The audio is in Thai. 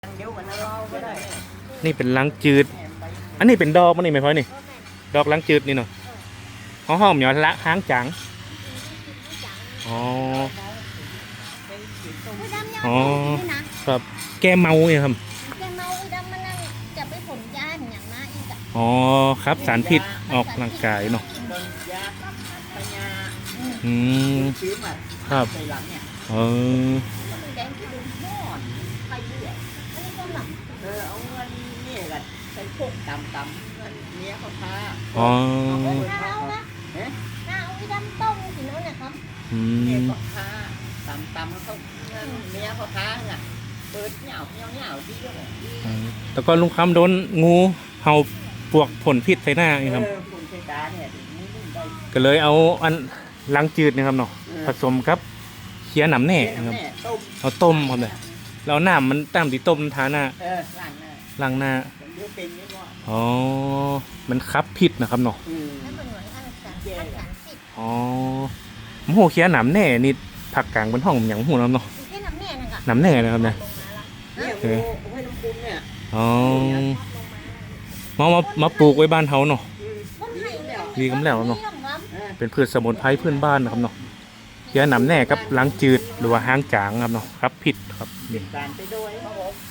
นี่เป็นล้างจืดอันนี้เป็นดอกมันนี่ไหมพ่อนี่ดอกล้างจืดนี่เนาะหอมเหนียวละห้างจังอ๋ออ๋อครับแก้เมาเนี่ยครับแกเมาไอ้ดำมันนั่งจะไปผลยาอย่างนั้นอีกอ่ะอ๋อครับสารพิษออกร่างกายเนาะอืมครับเออเอาเงินนี่กันใส่พวกตำเงินเนี้ยเขาท้าอ๋อข้าวนะข้าวไอ้ดำต้มสิน้องนะครับเนี้ยเขาท้าตำเขาเงินเนี้ยเขาท้าไงเปิดเหนียวที่เดียวแต่ก็ลุงคำโดนงูเห่าปวกผลพิษใส่หน้านี่ครับผลใส่ตาเนี่ยก็เลยเอาอันล้างจืดนะครับเนาะผสมครับเคี่ยหนำแหน่ครับเอาต้มครับเลยแล้วน้ำมันตามที่ต้มทาหน้าล้างหน้าอ๋อมันคับพิษนะครับเนาะอ๋อมโหเคี่ยหนำแหน่นี่ผักกลางบนห้องอย่างหูน้ำเนาะหนำแหน่นะครับเนี่ยอ๋อมาปลูกไว้บ้านเขาเนาะดีกำแล้วเนาะเป็นพืชสมุนไพรพื้นบ้านนะครับเนาะเคี่ยหนำแหน่กับล้างจืดหรือว่าห้างจางครับเนาะครับผิดครับนี่